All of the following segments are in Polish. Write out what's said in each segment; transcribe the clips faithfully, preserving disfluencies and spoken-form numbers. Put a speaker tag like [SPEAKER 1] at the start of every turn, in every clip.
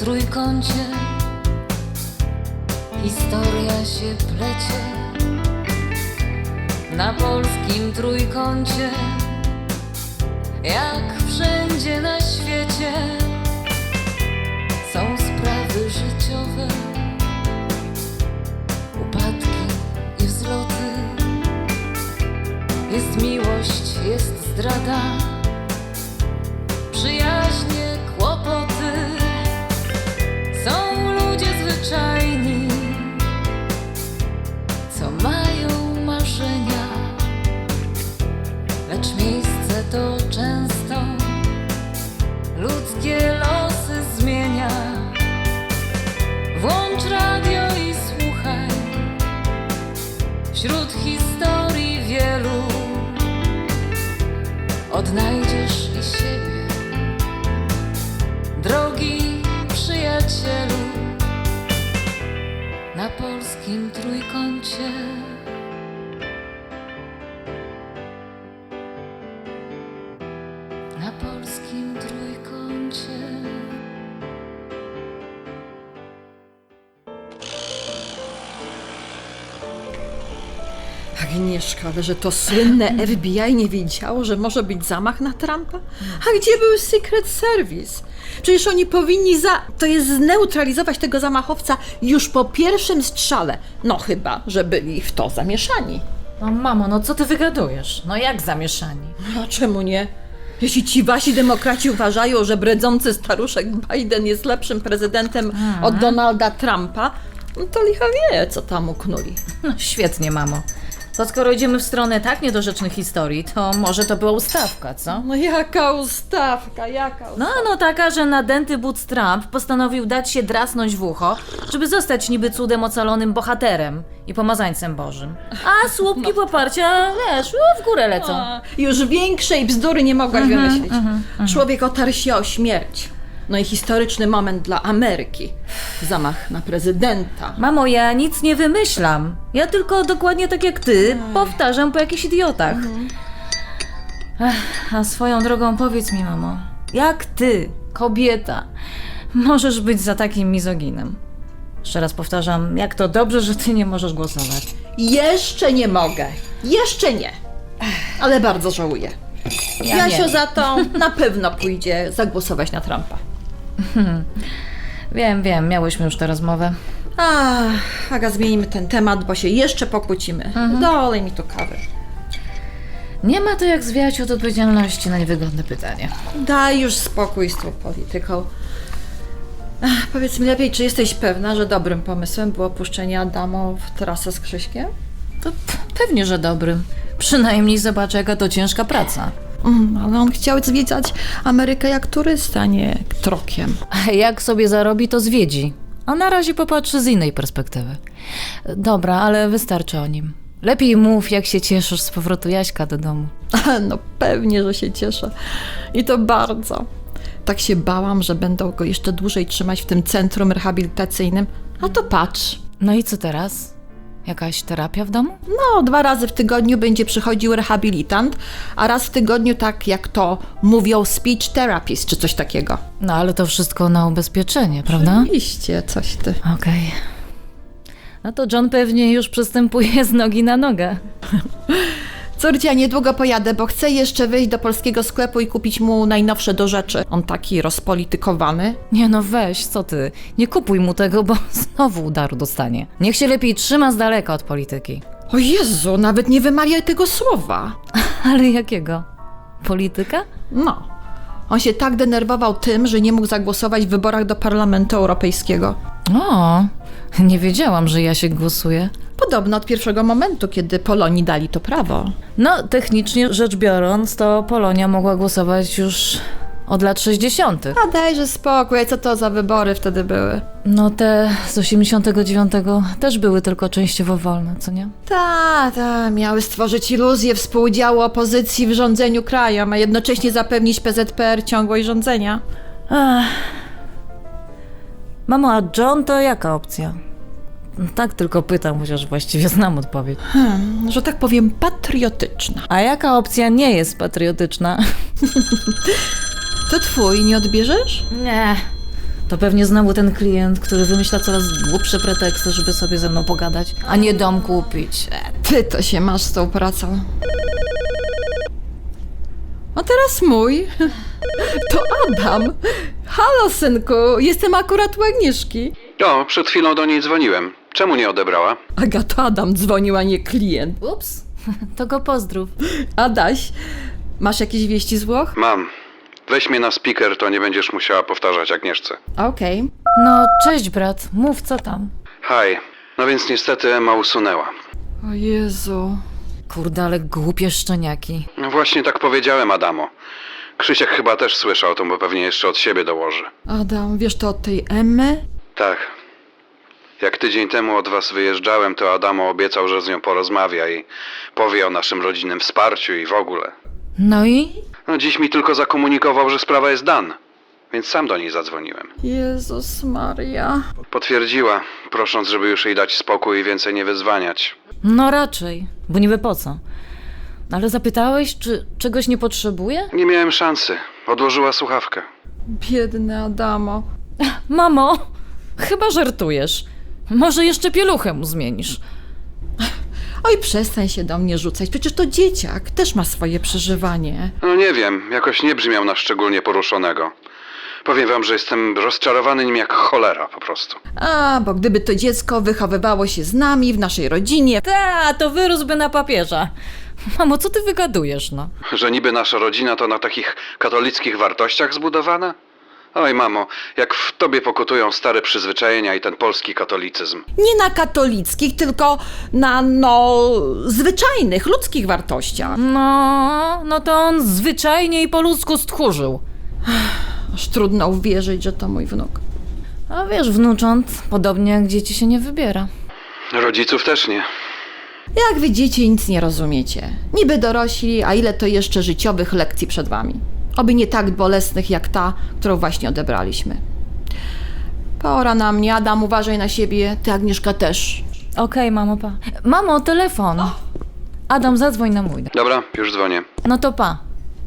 [SPEAKER 1] trójkącie historia się plecie. Na polskim trójkącie, jak wszędzie na świecie, są sprawy życiowe, upadki i wzloty. Jest miłość, jest zdrada, przyjaźnie, kłopoty. Są ludzie zwyczajni, co mają marzenia, lecz miejsce to często ludzkie losy zmienia. Włącz radio i słuchaj, wśród historii wielu odnajdziesz i siebie, drogi przyjacielu. Na polskim trójkącie. Na polskim trójkącie.
[SPEAKER 2] Agnieszka, ale że to słynne F B I nie wiedziało, że może być zamach na Trumpa? A gdzie był Secret Service? Przecież oni powinni za... to jest zneutralizować tego zamachowca już po pierwszym strzale. No chyba, że byli w to zamieszani.
[SPEAKER 3] No mamo, no co ty wygadujesz? No jak zamieszani?
[SPEAKER 2] A czemu nie? Jeśli ci wasi demokraci uważają, że bredzący staruszek Biden jest lepszym prezydentem
[SPEAKER 3] Hmm.
[SPEAKER 2] od Donalda Trumpa, no to licha wie, co tam uknuli.
[SPEAKER 3] No świetnie, mamo. To skoro idziemy w stronę tak niedorzecznych historii, to może to była ustawka, co?
[SPEAKER 2] No jaka ustawka, jaka ustawka.
[SPEAKER 3] No, no taka, że nadęty Butz Trump postanowił dać się drasnąć w ucho, żeby zostać niby cudem ocalonym bohaterem i pomazańcem Bożym. A słupki
[SPEAKER 2] No.
[SPEAKER 3] poparcia, wiesz, no, w górę lecą.
[SPEAKER 2] A, już większej bzdury nie mogłaś wymyślić. Człowiek otarł się o śmierć. No i historyczny moment dla Ameryki. Zamach na prezydenta.
[SPEAKER 3] Mamo, ja nic nie wymyślam. Ja tylko dokładnie tak jak ty powtarzam po jakichś idiotach. Ech, a swoją drogą powiedz mi, mamo, jak ty, kobieta, możesz być za takim mizoginem? Jeszcze raz powtarzam, jak to dobrze, że ty nie możesz głosować.
[SPEAKER 2] Jeszcze nie mogę. Jeszcze nie. Ale bardzo żałuję.
[SPEAKER 3] Ja
[SPEAKER 2] Jasio
[SPEAKER 3] wiem.
[SPEAKER 2] za to na pewno pójdzie zagłosować na Trumpa.
[SPEAKER 3] Wiem, wiem, miałyśmy już tę rozmowę.
[SPEAKER 2] Ach, Aga, zmienimy ten temat, bo się jeszcze pokłócimy. Dolej mi tu kawy.
[SPEAKER 3] Nie ma to jak zwiać od odpowiedzialności na niewygodne pytanie.
[SPEAKER 2] Daj już spokój z tą polityką. Ach, powiedz mi lepiej, czy jesteś pewna, że dobrym pomysłem było puszczenie Adamo w trasę z Krzyśkiem?
[SPEAKER 3] To p- pewnie, że dobrym. Przynajmniej zobaczę, jaka to ciężka praca.
[SPEAKER 2] Mm, ale on chciał zwiedzać Amerykę jak turysta, nie trokiem.
[SPEAKER 3] A jak sobie zarobi, to zwiedzi. A na razie popatrzy z innej perspektywy. Dobra, ale wystarczy o nim. Lepiej mów, jak się cieszysz z powrotu Jaśka do domu.
[SPEAKER 2] No pewnie, że się cieszę. I to bardzo. Tak się bałam, że będą go jeszcze dłużej trzymać w tym centrum rehabilitacyjnym. A to patrz.
[SPEAKER 3] No i co teraz? Jakaś terapia w domu?
[SPEAKER 2] No, dwa razy w tygodniu będzie przychodził rehabilitant, a raz w tygodniu tak jak to mówią speech therapist czy coś takiego.
[SPEAKER 3] No ale to wszystko na ubezpieczenie, prawda?
[SPEAKER 2] Oczywiście, coś ty.
[SPEAKER 3] Okej. No to John pewnie już przystępuje z nogi na nogę.
[SPEAKER 2] Córcia, niedługo pojadę, bo chcę jeszcze wyjść do polskiego sklepu i kupić mu najnowsze do rzeczy. On taki rozpolitykowany.
[SPEAKER 3] Nie no weź, co ty? Nie kupuj mu tego, bo znowu udaru dostanie. Niech się lepiej trzyma z daleka od polityki.
[SPEAKER 2] O Jezu, nawet nie wymawiaj tego słowa.
[SPEAKER 3] Ale jakiego? Polityka?
[SPEAKER 2] No, on się tak denerwował tym, że nie mógł zagłosować w wyborach do Parlamentu Europejskiego.
[SPEAKER 3] O, nie wiedziałam, że ja się głosuję.
[SPEAKER 2] Podobno od pierwszego momentu, kiedy Polonii dali to prawo.
[SPEAKER 3] No, technicznie rzecz biorąc, to Polonia mogła głosować już od lat sześćdziesiątych.
[SPEAKER 2] A dajże spokój, co to za wybory wtedy były?
[SPEAKER 3] No te z osiemdziesiątego dziewiątego też były tylko częściowo wolne, co nie?
[SPEAKER 2] Ta, ta, miały stworzyć iluzję współudziału opozycji w rządzeniu krajem, a jednocześnie zapewnić P Z P R ciągłość rządzenia.
[SPEAKER 3] Ach. Mamo, a John to jaka opcja? Tak tylko pytam, chociaż właściwie znam odpowiedź.
[SPEAKER 2] Hmm, że tak powiem patriotyczna.
[SPEAKER 3] A jaka opcja nie jest patriotyczna?
[SPEAKER 2] To twój, nie odbierzesz?
[SPEAKER 3] Nie. To pewnie znowu ten klient, który wymyśla coraz głupsze preteksty, żeby sobie ze mną pogadać, a nie dom kupić. E,
[SPEAKER 2] Ty to się masz z tą pracą. A teraz mój. To Adam. Halo, synku, jestem akurat u Agnieszki.
[SPEAKER 4] O, przed chwilą do niej dzwoniłem. Czemu nie odebrała?
[SPEAKER 2] Aga, to Adam dzwonił, a nie klient.
[SPEAKER 3] Ups, to go pozdrów.
[SPEAKER 2] Adaś, masz jakieś wieści z Włoch?
[SPEAKER 4] Mam. Weź mnie na speaker, to nie będziesz musiała powtarzać Agnieszce.
[SPEAKER 2] Okej.
[SPEAKER 3] No, cześć brat, mów co tam.
[SPEAKER 4] Hej. No więc niestety Emma usunęła.
[SPEAKER 2] O Jezu.
[SPEAKER 3] Kurde, ale głupie szczeniaki.
[SPEAKER 4] No właśnie tak powiedziałem Adamo. Krzysiek chyba też słyszał to, bo pewnie jeszcze od siebie dołoży.
[SPEAKER 2] Adam, wiesz to od tej Emmy?
[SPEAKER 4] Tak. Jak tydzień temu od was wyjeżdżałem, to Adamo obiecał, że z nią porozmawia i powie o naszym rodzinnym wsparciu i w ogóle.
[SPEAKER 3] No i?
[SPEAKER 4] No dziś mi tylko zakomunikował, że sprawa jest dan, więc sam do niej zadzwoniłem.
[SPEAKER 2] Jezus Maria.
[SPEAKER 4] Potwierdziła, prosząc, żeby już jej dać spokój i więcej nie wyzwaniać.
[SPEAKER 3] No raczej, bo niby po co? Ale zapytałeś, czy czegoś nie potrzebuje?
[SPEAKER 4] Nie miałem szansy. Odłożyła słuchawkę.
[SPEAKER 2] Biedny Adamo.
[SPEAKER 3] Mamo, chyba żartujesz. Może jeszcze pieluchę mu zmienisz.
[SPEAKER 2] Oj, przestań się do mnie rzucać, przecież to dzieciak, też ma swoje przeżywanie.
[SPEAKER 4] No nie wiem, jakoś nie brzmiał na szczególnie poruszonego. Powiem wam, że jestem rozczarowany nim jak cholera po prostu.
[SPEAKER 2] A, bo gdyby to dziecko wychowywało się z nami, w naszej rodzinie,
[SPEAKER 3] Ta, to wyrósłby na papieża. Mamo, co ty wygadujesz, no?
[SPEAKER 4] Że niby nasza rodzina to na takich katolickich wartościach zbudowana? Oj mamo, jak w tobie pokutują stare przyzwyczajenia i ten polski katolicyzm.
[SPEAKER 2] nie na katolickich, tylko na, no, zwyczajnych, ludzkich wartościach.
[SPEAKER 3] No, no to on zwyczajnie i po ludzku stchórzył.
[SPEAKER 2] Aż trudno uwierzyć, że to mój wnuk.
[SPEAKER 3] A wiesz, wnucząt, podobnie jak dzieci się nie wybiera.
[SPEAKER 4] Rodziców też nie.
[SPEAKER 2] Jak widzicie, nic nie rozumiecie. Niby dorośli, a ile to jeszcze życiowych lekcji przed wami. Oby nie tak bolesnych jak ta, którą właśnie odebraliśmy. Pora na mnie, Adam, uważaj na siebie, ty Agnieszka też.
[SPEAKER 3] Okej, mamo, pa. Mamo, telefon. Adam, zadzwoń na mój.
[SPEAKER 4] Dobra, już dzwonię.
[SPEAKER 3] No to pa.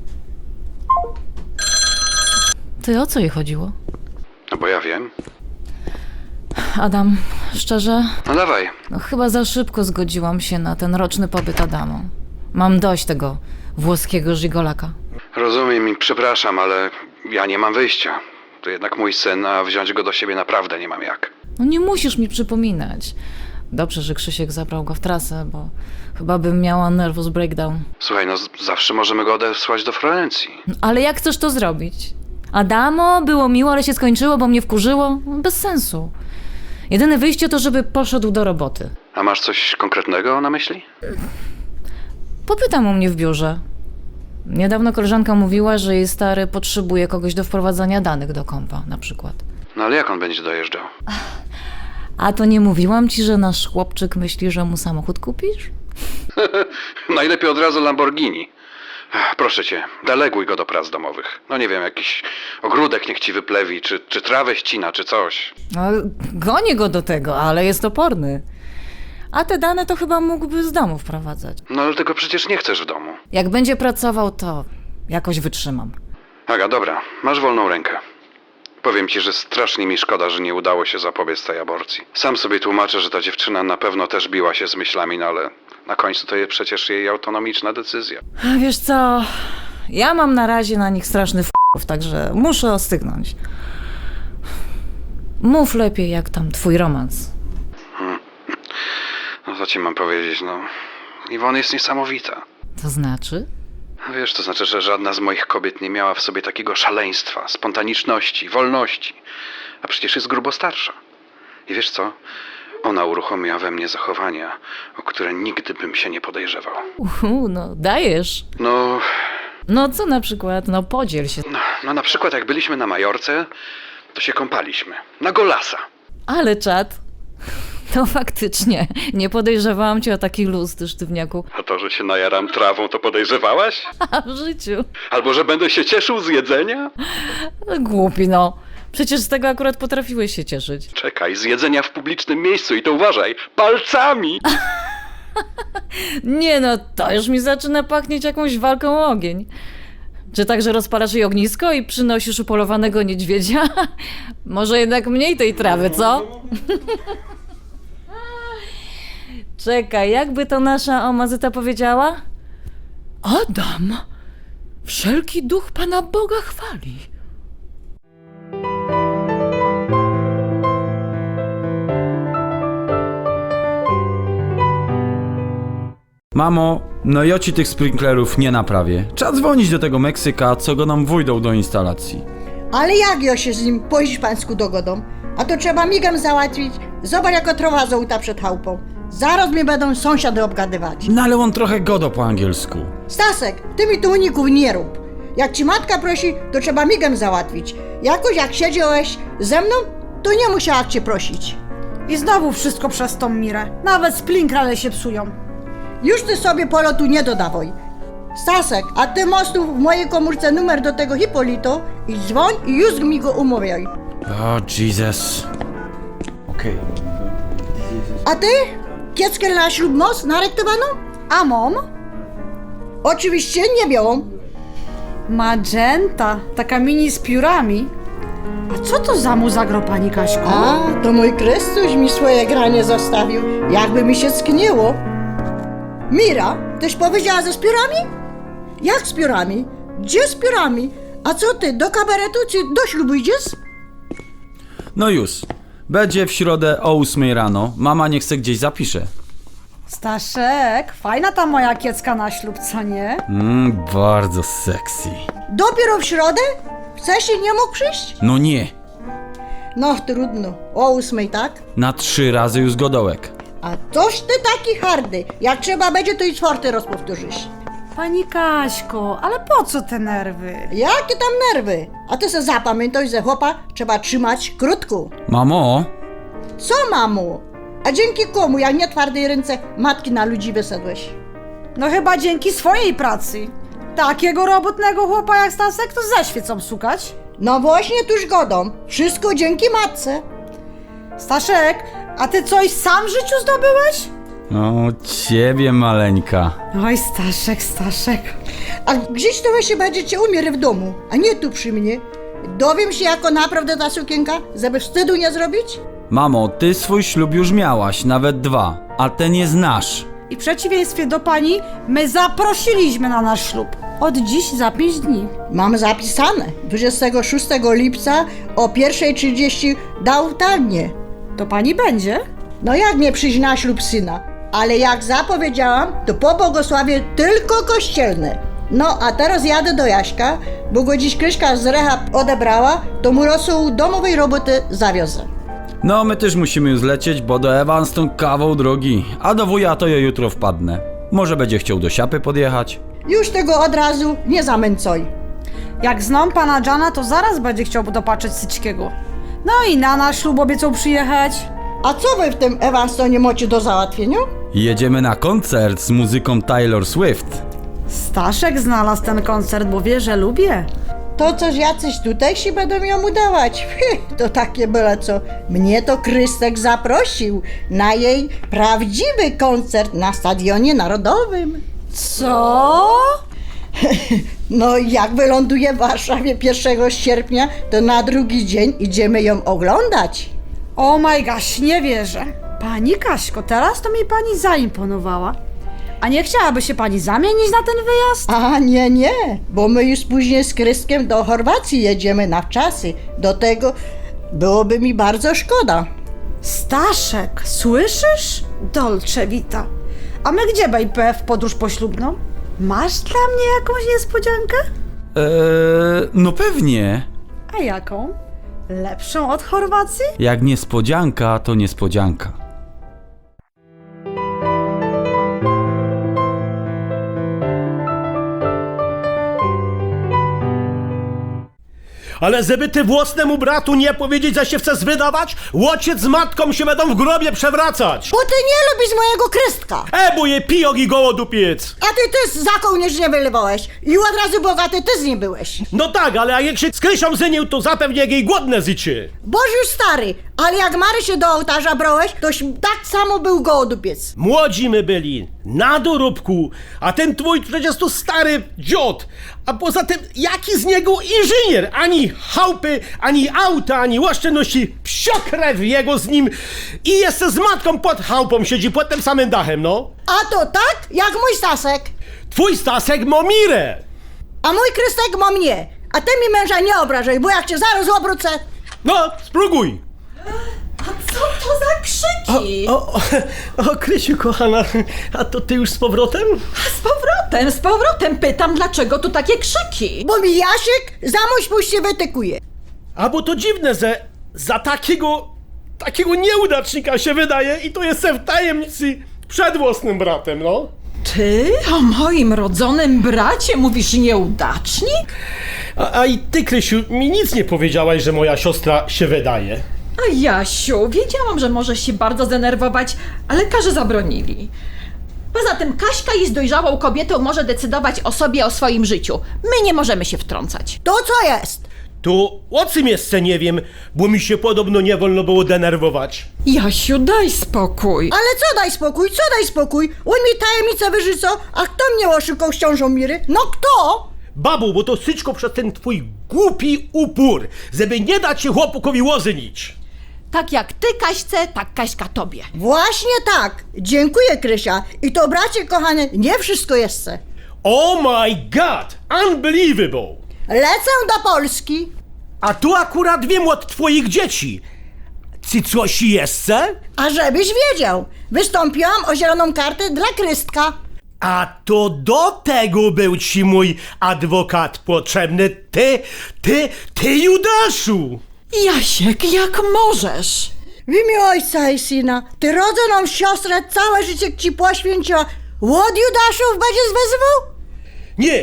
[SPEAKER 3] Ty, o co jej chodziło?
[SPEAKER 4] No bo ja wiem.
[SPEAKER 3] Adam, szczerze,
[SPEAKER 4] No dawaj.
[SPEAKER 3] no chyba za szybko zgodziłam się na ten roczny pobyt Adamo. Mam dość tego włoskiego żigolaka.
[SPEAKER 4] Rozumiem i przepraszam, ale ja nie mam wyjścia. To jednak mój syn, a wziąć go do siebie naprawdę nie mam jak.
[SPEAKER 3] No nie musisz mi przypominać. Dobrze, że Krzysiek zabrał go w trasę, bo chyba bym miała nervous breakdown.
[SPEAKER 4] Słuchaj, no z- zawsze możemy go odesłać do Florencji.
[SPEAKER 3] No, ale jak chcesz to zrobić? Adamo, było miło, ale się skończyło, bo mnie wkurzyło? Bez sensu. Jedyne wyjście to, żeby poszedł do roboty.
[SPEAKER 4] A masz coś konkretnego na myśli?
[SPEAKER 3] Popytam u mnie w biurze. Niedawno koleżanka mówiła, że jej stary potrzebuje kogoś do wprowadzania danych do kompa, na przykład.
[SPEAKER 4] No ale jak on będzie dojeżdżał?
[SPEAKER 3] A to nie mówiłam ci, że nasz chłopczyk myśli, że mu samochód kupisz?
[SPEAKER 4] Najlepiej od razu Lamborghini. Ech, Proszę cię, deleguj go do prac domowych. No nie wiem, jakiś ogródek niech ci wyplewi, czy, czy trawę ścina, czy coś.
[SPEAKER 3] No, gonię go do tego, ale jest oporny. A te dane to chyba mógłby z domu wprowadzać.
[SPEAKER 4] No ale tego przecież nie chcesz w domu.
[SPEAKER 3] Jak będzie pracował, to jakoś wytrzymam.
[SPEAKER 4] Aga, dobra, masz wolną rękę. Powiem ci, że strasznie mi szkoda, że nie udało się zapobiec tej aborcji. Sam sobie tłumaczę, że ta dziewczyna na pewno też biła się z myślami, no ale na końcu to jest przecież jej autonomiczna decyzja.
[SPEAKER 3] A wiesz co, ja mam na razie na nich straszny f***ów, także muszę ostygnąć. Mów lepiej, jak tam twój romans.
[SPEAKER 4] No co ci mam powiedzieć, no... Iwona jest niesamowita.
[SPEAKER 3] To znaczy?
[SPEAKER 4] Wiesz, to znaczy, że żadna z moich kobiet nie miała w sobie takiego szaleństwa, spontaniczności, wolności. A przecież jest grubo starsza. I wiesz co? Ona uruchomiła we mnie zachowania, o które nigdy bym się nie podejrzewał.
[SPEAKER 3] Uhu, no dajesz.
[SPEAKER 4] No,
[SPEAKER 3] No co na przykład? No podziel się.
[SPEAKER 4] no, no na przykład jak byliśmy na Majorce, to się kąpaliśmy. Na golasa.
[SPEAKER 3] Ale czad. To faktycznie. Nie podejrzewałam cię o taki luz, ty sztywniaku.
[SPEAKER 4] A to, że się najaram trawą, to podejrzewałaś?
[SPEAKER 3] A w życiu.
[SPEAKER 4] Albo, że będę się cieszył z jedzenia?
[SPEAKER 3] No, głupi no. Przecież z tego akurat potrafiłeś się cieszyć.
[SPEAKER 4] Czekaj, z jedzenia w publicznym miejscu i to uważaj, palcami!
[SPEAKER 3] Nie no, to już mi zaczyna pachnieć jakąś walką o ogień. Czy także rozpalasz jej ognisko i przynosisz upolowanego niedźwiedzia? Może jednak mniej tej trawy, co? Czekaj, jakby to nasza omazyta powiedziała?
[SPEAKER 2] Adam, wszelki duch Pana Boga chwali.
[SPEAKER 5] Mamo, no ja ci tych sprinklerów nie naprawię. Trzeba dzwonić do tego Meksyka, co go nam wójdą do instalacji.
[SPEAKER 6] Ale jak ja się z nim po hiszpańsku dogodą? A to trzeba migiem załatwić. Zobacz, jako trowa żółta przed chałupą. Zaraz mnie będą sąsiady obgadywać.
[SPEAKER 5] No ale on trochę godo po angielsku.
[SPEAKER 6] Stasek, ty mi tu uników nie rób. Jak ci matka prosi, to trzeba migiem załatwić. Jakoś jak siedziałeś ze mną, to nie musiała cię prosić.
[SPEAKER 7] I znowu wszystko przez tą Mirę. Nawet sprinklere się psują.
[SPEAKER 6] Już ty sobie polotu nie dodawaj. Stasek, a ty masz tu w mojej komórce numer do tego Hipolito i dzwoń i już mi go umawiaj.
[SPEAKER 5] O, Jesus. Okej.
[SPEAKER 6] A ty? Kieckę na ślub masz narektowaną?
[SPEAKER 7] A mom?
[SPEAKER 6] Oczywiście nie białą.
[SPEAKER 7] Magenta, taka mini z piórami. A co to za muza gro, pani Kaśko?
[SPEAKER 6] A, to mój Chrystus mi swoje granie zostawił, jakby mi się skniło. Mira, tyś powiedziała ze z piórami? Jak z piórami? Gdzie z piórami? A co ty, do kabaretu czy do ślubu idziesz?
[SPEAKER 5] No już. Będzie w środę o ósmej rano. Mama niech se gdzieś zapisze.
[SPEAKER 7] Staszek, fajna ta moja kiecka na ślub, co nie?
[SPEAKER 5] Mmm, bardzo sexy.
[SPEAKER 6] Dopiero w środę? Chcesz i nie mógł przyjść?
[SPEAKER 5] No nie.
[SPEAKER 6] No trudno, o ósmej, tak?
[SPEAKER 5] Na trzy razy już godołek.
[SPEAKER 6] A toż ty taki hardy, jak trzeba będzie, to i czwarty raz powtórzysz.
[SPEAKER 7] Pani Kaśko, ale po co te nerwy?
[SPEAKER 6] Jakie tam nerwy? A ty se zapamiętaj, że chłopa trzeba trzymać krótko.
[SPEAKER 5] Mamo,
[SPEAKER 6] Co, mamo? A dzięki komu, jak nie twardej ręce, matki na ludzi wysadłeś?
[SPEAKER 7] No chyba dzięki swojej pracy. Takiego robotnego chłopa jak Stasek to ze świecą sukać.
[SPEAKER 6] No właśnie tuż godą. Wszystko dzięki matce.
[SPEAKER 7] Staszek, a ty coś sam w życiu zdobyłeś?
[SPEAKER 5] o ciebie maleńka.
[SPEAKER 7] Oj, Staszek, Staszek.
[SPEAKER 6] A gdzieś to się będziecie umierać w domu, a nie tu przy mnie. Dowiem się, jako naprawdę ta sukienka, żeby wstydu nie zrobić?
[SPEAKER 5] Mamo, ty swój ślub już miałaś, nawet dwa, a ten jest nasz.
[SPEAKER 7] I w przeciwieństwie do pani, my zaprosiliśmy na nasz ślub. Od dziś za pięć dni.
[SPEAKER 6] Mam zapisane. dwudziestego szóstego lipca o pierwsza trzydzieści dał tanie.
[SPEAKER 7] To pani będzie?
[SPEAKER 6] No jak nie przyjść na ślub syna? Ale jak zapowiedziałam, to po błogosławie tylko kościelne. No a teraz jadę do Jaśka, bo go dziś Kryśka z rehab odebrała, to mu rosół domowej roboty zawiozę.
[SPEAKER 5] No, my też musimy już lecieć, bo do Evanston kawał drogi, a do wuja to ja jutro wpadnę. Może będzie chciał do Siapy podjechać?
[SPEAKER 6] Już tego od razu nie zamęcoj.
[SPEAKER 7] Jak znam pana Jana, to zaraz będzie chciał dopatrzeć Syćkiego. No i na nasz ślub obiecał przyjechać.
[SPEAKER 6] A co wy w tym Evanstonie macie do załatwienia?
[SPEAKER 5] Jedziemy na koncert z muzyką Taylor Swift.
[SPEAKER 7] Staszek znalazł ten koncert, bo wie, że lubię.
[SPEAKER 6] To coś jacyś tutejsi będą ją udawać. To takie byle co. Mnie to Krystek zaprosił na jej prawdziwy koncert na Stadionie Narodowym.
[SPEAKER 7] Co?
[SPEAKER 6] No jak wyląduje w Warszawie pierwszego sierpnia, to na drugi dzień idziemy ją oglądać.
[SPEAKER 7] O my gosh, nie wierzę. Pani Kaśko, teraz to mi pani zaimponowała. A nie chciałaby się pani zamienić na ten wyjazd?
[SPEAKER 6] A nie, nie, bo my już później z Krystkiem do Chorwacji jedziemy na wczasy. Do tego byłoby mi bardzo szkoda.
[SPEAKER 7] Staszek, słyszysz? Dolce Vita. A my gdzie, baby, w podróż poślubną? Masz dla mnie jakąś niespodziankę?
[SPEAKER 5] Eee, no pewnie.
[SPEAKER 7] A jaką? Lepszą od Chorwacji?
[SPEAKER 5] Jak niespodzianka, to niespodzianka.
[SPEAKER 8] Ale żeby ty własnemu bratu nie powiedzieć, że się chcesz wydawać, ojciec z matką się będą w grobie przewracać.
[SPEAKER 6] Bo ty nie lubisz mojego Krystka.
[SPEAKER 8] E, bo je pijok i gołodupiec.
[SPEAKER 6] A ty też za kołnierz nie wylewałeś. I od razu bogaty ty z nim byłeś.
[SPEAKER 8] No tak, ale jak się z Krysią zynił, to zapewnie jej głodne zycie.
[SPEAKER 6] Boż już stary, Ale jak Marysię do ołtarza brałeś, toś tak samo był gołodupiec.
[SPEAKER 8] Młodzi my byli, na dorobku, a ten twój przecież to stary dziot. A poza tym, jaki z niego inżynier? Ani chałupy, ani auta, ani oszczędności, psiokrew jego z nim. I jeszcze z matką pod chałupą siedzi, pod tym samym dachem, no.
[SPEAKER 6] A to tak, jak mój Stasek.
[SPEAKER 8] Twój Stasek ma mirę.
[SPEAKER 6] A mój Krystek ma mnie. A ty mi męża nie obrażaj, bo jak cię zaraz obrócę...
[SPEAKER 8] No, spróbuj.
[SPEAKER 2] Co to za krzyki?
[SPEAKER 8] O, o, o, Krysiu, kochana, a to ty już z powrotem?
[SPEAKER 2] Z powrotem, z powrotem pytam, dlaczego tu takie krzyki?
[SPEAKER 6] Bo mi Jasiek za mój spuść się wytykuje.
[SPEAKER 8] A bo to dziwne, że za takiego, takiego nieudacznika się wydaje i to jestem w tajemnicy przed własnym bratem, no.
[SPEAKER 2] Ty o moim rodzonym bracie mówisz nieudacznik?
[SPEAKER 8] A, a i ty, Krysiu, mi nic nie powiedziałaś, że moja siostra się wydaje.
[SPEAKER 2] A Jasiu, wiedziałam, że możesz się bardzo zdenerwować, ale lekarze zabronili. Poza tym Kaśka jest dojrzałą kobietą, może decydować o sobie, o swoim życiu. My nie możemy się wtrącać.
[SPEAKER 6] To co jest?
[SPEAKER 8] To o czym jeszcze nie wiem, bo mi się podobno nie wolno było denerwować.
[SPEAKER 2] Jasiu, daj spokój.
[SPEAKER 6] Ale co daj spokój, co daj spokój? On mi tajemnicę wyrzucał, a kto mnie oszukał z ciążą Miry? No kto?
[SPEAKER 8] Babu, bo to wszystko przez ten twój głupi upór, żeby nie dać się chłopakowi łozynić.
[SPEAKER 2] Tak jak ty Kaśce, tak Kaśka tobie.
[SPEAKER 6] Właśnie tak. Dziękuję, Krysia. I to, bracie kochany, nie wszystko jeszcze.
[SPEAKER 8] Oh my god, unbelievable.
[SPEAKER 6] Lecę do Polski.
[SPEAKER 8] A tu akurat wiem od twoich dzieci. Czy coś jeszcze?
[SPEAKER 6] A żebyś wiedział, wystąpiłam o zieloną kartę dla Krystka.
[SPEAKER 8] A to do tego był ci mój adwokat potrzebny. Ty, ty, ty Judaszu!
[SPEAKER 2] Jasiek, jak możesz?
[SPEAKER 6] W imię ojca i syna, ty rodzoną siostrę całe życie ci poświęciła. Łod Judaszów będziesz wezwał?
[SPEAKER 8] Nie,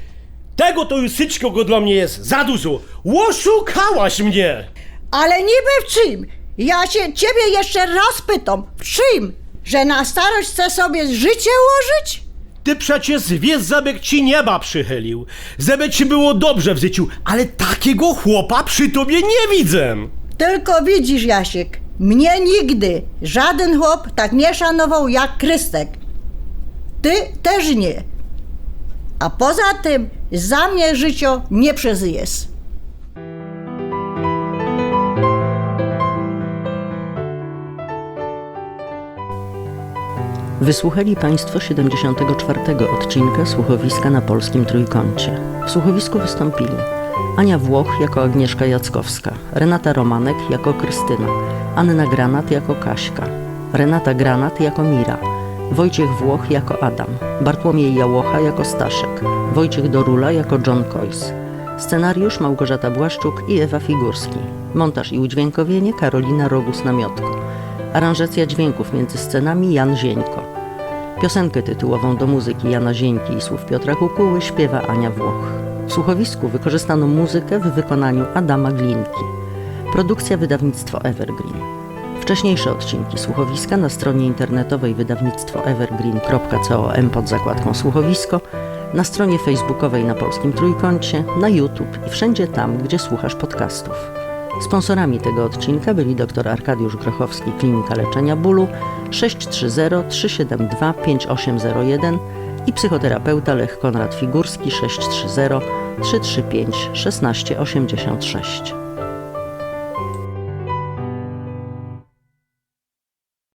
[SPEAKER 8] tego to już wszystkiego dla mnie jest za dużo. Oszukałaś mnie!
[SPEAKER 6] Ale niby w czym? Ja się ciebie jeszcze raz pytam, w czym? Że na starość chce sobie życie ułożyć?
[SPEAKER 8] Ty przecież wiesz, żeby ci nieba przychylił, żeby ci było dobrze w życiu, ale takiego chłopa przy tobie nie widzę.
[SPEAKER 6] Tylko widzisz, Jasiek, mnie nigdy żaden chłop tak nie szanował jak Krystek. Ty też nie. A poza tym za mnie życie nie przeżyjesz.
[SPEAKER 9] Wysłuchali Państwo siedemdziesiątego czwartego odcinka Słuchowiska na Polskim Trójkącie. W słuchowisku wystąpili Ania Włoch jako Agnieszka Jackowska, Renata Romanek jako Krystyna, Anna Granat jako Kaśka, Renata Granat jako Mira, Wojciech Włoch jako Adam, Bartłomiej Jałocha jako Staszek, Wojciech Dorula jako John Coyce. Scenariusz Małgorzata Błaszczuk i Ewa Figurski. Montaż i udźwiękowienie Karolina Rogus-Namiotko. Aranżacja dźwięków między scenami Jan Zieńko. Piosenkę tytułową do muzyki Jana Zieńki i słów Piotra Kukuły śpiewa Ania Włoch. W słuchowisku wykorzystano muzykę w wykonaniu Adama Glinki. Produkcja wydawnictwo Evergreen. Wcześniejsze odcinki słuchowiska na stronie internetowej wydawnictwo evergreen kropka com pod zakładką słuchowisko, na stronie facebookowej na Polskim Trójkącie, na YouTube i wszędzie tam, gdzie słuchasz podcastów. Sponsorami tego odcinka byli dr Arkadiusz Grochowski, Klinika Leczenia Bólu sześć trzy zero trzy siedem dwa pięć osiem zero jeden i psychoterapeuta Lech Konrad Figurski sześć trzy zero trzy trzy pięć jeden sześć osiem sześć.